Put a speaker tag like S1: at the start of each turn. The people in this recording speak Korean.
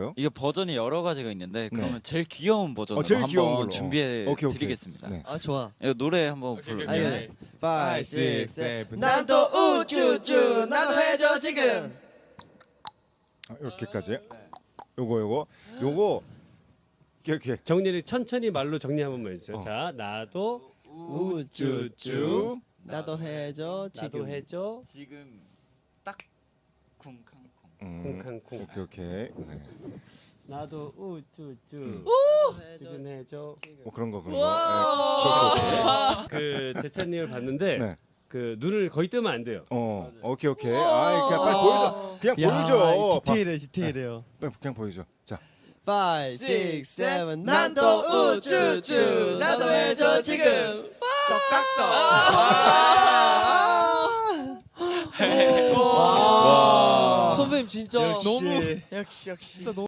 S1: 어떤가요?
S2: 이게 버전이 여러 가지가 있는데 그러면
S1: 네.
S2: 제일 귀여운 버전으로
S1: 제일 귀여운
S2: 한번
S1: 걸로.
S2: 준비해
S1: 오케이.
S2: 드리겠습니다.
S1: 네.
S3: 아 좋아.
S2: 이거 노래 한번 불러.
S3: 아니,
S2: 네.
S3: 5, 6, 7 난또 우쭈쭈 나도 해줘 지금.
S1: 이렇게까지. 요거 이렇게
S4: 정리를 천천히 말로 정리 한 번만 해주세요.
S1: 어.
S4: 자, 나도
S3: 우쭈쭈 나도 해줘 지금.
S4: 나도 해줘
S2: 지금 딱 쿵쾅쿵.
S4: 콩캉콩.
S1: 오케이. 네.
S4: 나도 우쭈쭈 지금 해줘.
S1: 그런 거.
S4: 그 제찬님을 봤는데
S1: 네.
S4: 그 눈을 거의 뜨면 안 돼요.
S1: 오케이. 아, 그냥 빨리 보여줘. 그냥 보여줘.
S3: 디테일해요.
S1: 그냥 보여줘. 자.
S3: 5, 6, 7 난또 우쭈쭈 나도 해줘 지금. 떡딱떡. 선배님 진짜
S5: 역시.
S3: 진짜 너무